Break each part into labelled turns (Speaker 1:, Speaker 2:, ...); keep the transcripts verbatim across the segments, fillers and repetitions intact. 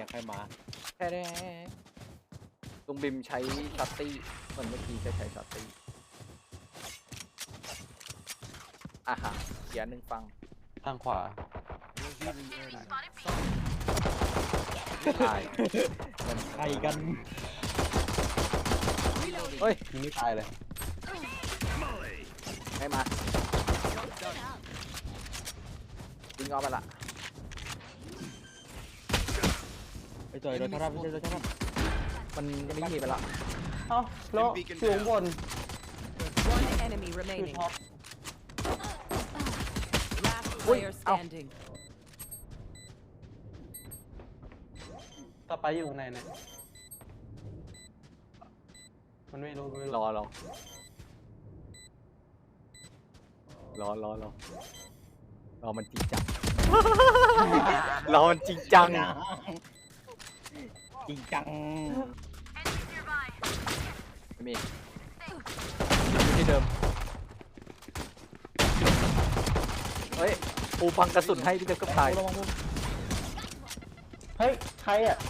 Speaker 1: ใครมา
Speaker 2: แค่นี้ลุงบิมใช้ช็อตตี้เหมือนเมื่อกี้จะใช้ช็อตตี้อ่ะฮะเขียนหนึ่งฟัง
Speaker 3: ทางขวา
Speaker 2: ตาย
Speaker 1: มันใครกัน
Speaker 2: เฮ้ย
Speaker 3: ยิงไม่ตายเลย
Speaker 2: ไม่มายิงเอาไปละ
Speaker 1: ไอ้จอยโดนชาร์จไม่ใช่โดนชาร์จ
Speaker 2: มันไม่มีไปละ
Speaker 3: เอ้าแล้วสูงบน
Speaker 4: One enemy
Speaker 3: คือ
Speaker 4: remaining.
Speaker 3: ท็อป
Speaker 4: Last player standing.
Speaker 3: ต่อไปอยู่ข้างในเนี่ยมันไม่รู้ไม่รู้
Speaker 2: รอรอรอรอรอรอมันจริงจัง รอมันจริงจัง
Speaker 1: จริงจัง
Speaker 2: ไม่มีที่เดิมเฮ้ยปูพังกระสุนให้พี่เจะก็ตาย
Speaker 1: ระวังมุม
Speaker 3: เฮ้ยใครอ่ะ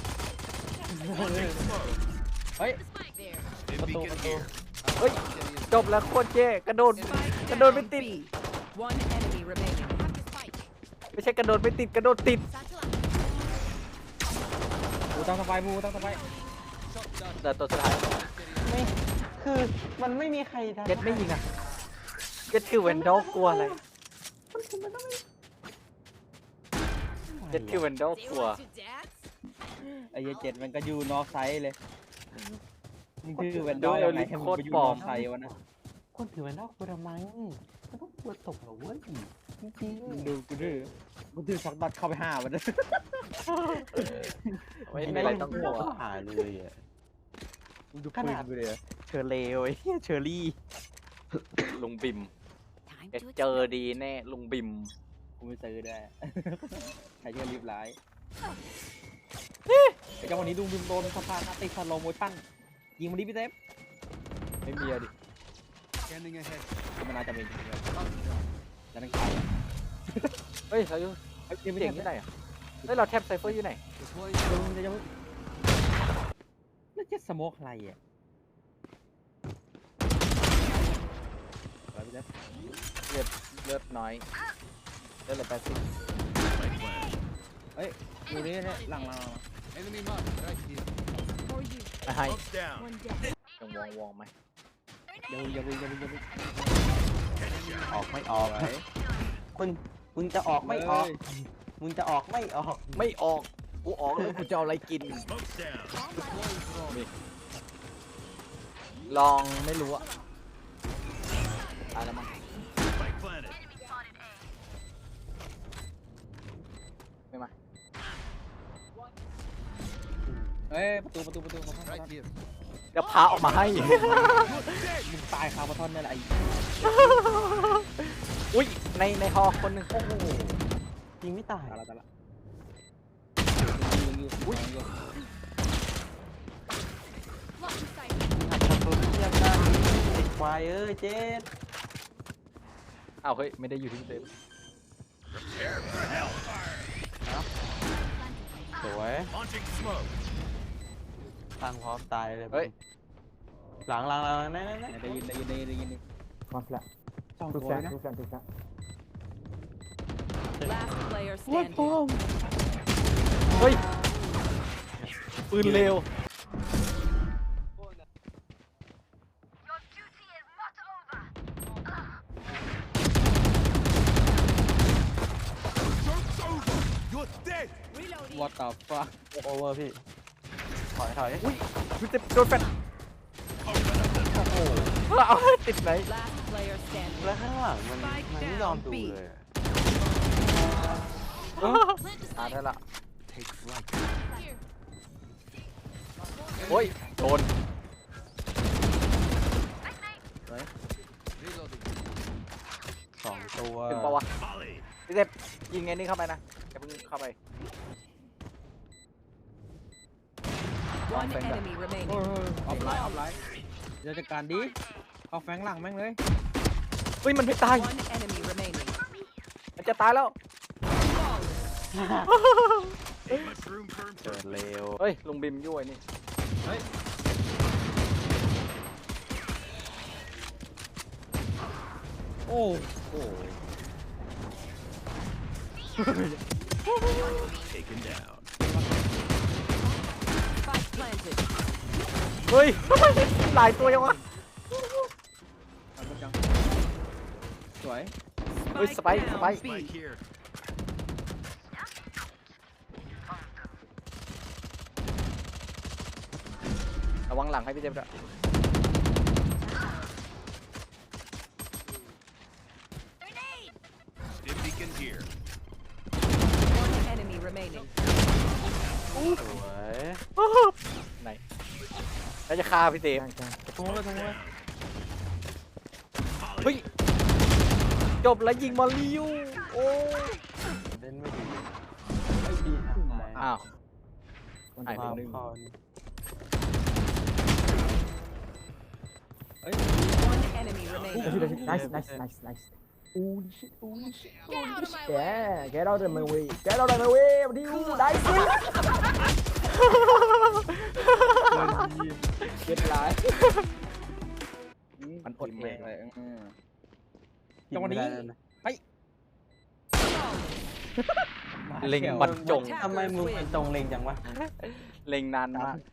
Speaker 1: เฮ้ยประตูประตู
Speaker 2: เฮ้ยจบแล้วโคตรเจ๊กระโดด
Speaker 4: Spike
Speaker 2: กระโดดไม่
Speaker 4: down
Speaker 2: ติด
Speaker 4: B. One enemy remaining.
Speaker 2: ไม่ใช่กระโดดไม่ติดกระโดดติด
Speaker 1: บูตั้งสบายบูตั้งสบาย
Speaker 2: แต่ตัวสุดท้าย
Speaker 3: ไม่คือมันไม่มีใครทำ
Speaker 2: เก็ตไม่ยิงอ่ะเก็ตคือเวนดอลกลัวอะไรเก็ตคือเวนดอลกลัว
Speaker 1: ไอ้เหี้ยเจ็ดมันก็อยู่นอกไซส์เลยมึงคือแวนดอลยังไงให้มึงไปอยู่นอกไซส์วะนะ
Speaker 3: คนถือแวนด้ากูทำไมมันต้องกลัวตกเหรอเว้ยจริง
Speaker 1: มึงดูกูดื้อกูดื้อช็อตบัตเข้าไปห้าวันเลย
Speaker 3: ๆ
Speaker 2: ไม่มีอะไรต้องกลัว
Speaker 3: หาเลยอ่ะ
Speaker 1: มึงดูปืนกูเลยอะ
Speaker 2: เชอร์เลวไอ้เหี้ยเชอร์รี่ ลุงบิมเอ็ดเจอดีแน่ลุงบิม
Speaker 1: กูไม่ซื้อได้ใครจะรีบร้ายไอ้เจ้าวันนี้ดูบิมโดนสะพานติดสโลโมชั่นยิงมันดิพี่เซฟ
Speaker 2: ไม่มีอะดิ
Speaker 1: มันน่าจะมีจริงๆแล้วนั่นใคร
Speaker 2: เฮ้ยเราอยู่
Speaker 1: เฮ้ย
Speaker 2: เสี
Speaker 1: ไม่
Speaker 2: ย
Speaker 1: ใช่
Speaker 2: งที่ไหนอ่ะเฮ้ยเราแทบไซเฟอร์อยู่ไหน
Speaker 1: มึงจะจะนั่นจะสโมกอะไรอ่ะอะไรพี่เซฟ
Speaker 2: เลือดเลือดน้อยเลือดเหลือแปดสิบ
Speaker 1: เฮ้ยอยู่นี่เนี่ยหลังเรา
Speaker 2: นะให้ยังวองวองไหม
Speaker 1: อย่าอย่าอย่าอย่า
Speaker 3: ออกไม่ออกมึงมึงจะออกไม่ออกมึงจะออกไม่ออก
Speaker 2: ไม่ออกกูออกแล้วกูจะเอาอะไรกินลองไม่รู้อะตายแล้วมั้งไม่มา
Speaker 1: เฮ้ยประตูประตูประตูประตู
Speaker 2: เดี๋ยวพาออกมาให้
Speaker 1: มึงตายคาร์บอนนี่แหละไอ้
Speaker 2: อุ้ยในในฮอคนหนึ่ง
Speaker 1: โอ้โห
Speaker 3: ยิงไม่ตาย
Speaker 1: ตายละตายละยิงอยู่อุ้ย
Speaker 3: หัดทำตัวเทียบกันติดควายเอ้ยเจ๊ด
Speaker 2: อ้าวเฮ้ยไม่ได้อยู่ที่เซฟ
Speaker 3: สวยทางพร้อมตายเลย
Speaker 2: เฮ้ย
Speaker 3: หลังหลังหลังนั่นนั่นนั่น
Speaker 1: ได้ยินได้ยินได้ยินได้ยิน
Speaker 5: มาละ
Speaker 1: สอง
Speaker 5: ทุก
Speaker 1: ตัว
Speaker 5: แสน
Speaker 1: นะ
Speaker 5: ทุกแสนทุกแสน
Speaker 4: Last player standing.
Speaker 2: เฮ้ยปืนเร็ว
Speaker 1: วอตต่อฟ้า
Speaker 3: โอเวอร์พี่ถอยถอย
Speaker 2: อุ้ยมันจะโดนแฟนโอ้โหเอาติดไหน
Speaker 4: Last player standing.
Speaker 3: แล้วข้างหลังมันมันไม่ยอมดูเลย
Speaker 2: ตายได้ละโอ้ยโดน
Speaker 3: สองตัว
Speaker 2: ถึงปะวะพี่เซฟยิงไงนี่เข้าไปนะอย่าเพิ่งเข้าไป
Speaker 4: One enemy
Speaker 1: โอ้
Speaker 4: remaining.
Speaker 1: ยออฟไลน์ออฟไลน์เดี๋ยวจัดการดีเอาแฟงหลังแม่งเลย
Speaker 2: เฮ้ยมันไม่ตาย
Speaker 4: One enemy remaining.
Speaker 2: มันจะตายแล้ว
Speaker 3: เกิดเร็ว
Speaker 2: เฮ้ยลุงบิมยั่วไอ้นี่
Speaker 1: โอ้
Speaker 3: โอ้ย
Speaker 4: Spike planted.
Speaker 2: เฮ้ยทำไมหลายตัวยังวะ
Speaker 1: เอาไปจังสวย
Speaker 2: เฮ้ยสไปค์สไปค์
Speaker 4: B.
Speaker 2: ระวังหลังให้พี่เจมส์ด้วย
Speaker 4: One enemy remaining.
Speaker 3: สวย
Speaker 2: ไหนแล้วจะฆ่าพี่เจมส์
Speaker 1: ตรงเลยตรงเลย
Speaker 2: เฮ้ยจบแล้วยิงมาริวโอ้
Speaker 3: เล่นไม่ดี
Speaker 1: ไอ้ดี
Speaker 2: อ้าว
Speaker 3: มัน
Speaker 2: หายไป
Speaker 3: พา
Speaker 2: หนึ่ง
Speaker 3: พอน
Speaker 1: เอ้ย
Speaker 4: One enemy remaining.
Speaker 5: Nice, nice, nice, nice. Holy shit, holy shit,
Speaker 4: Get
Speaker 5: holy
Speaker 4: out of my
Speaker 5: shit. Yeah, get out of my way. Get out of my way. Diu, nice.
Speaker 1: เจ็ดหลาย
Speaker 2: มันอด
Speaker 1: กิ
Speaker 2: แม่
Speaker 1: แม่
Speaker 2: ง
Speaker 1: เลยอืม
Speaker 3: กิน
Speaker 1: จังหวะนี้
Speaker 3: ไม่ได้แล้วนะ
Speaker 2: เล็งบรรจง
Speaker 3: ทำไมมึงมันตรงเล็งจังวะ
Speaker 2: เล็งนานมาก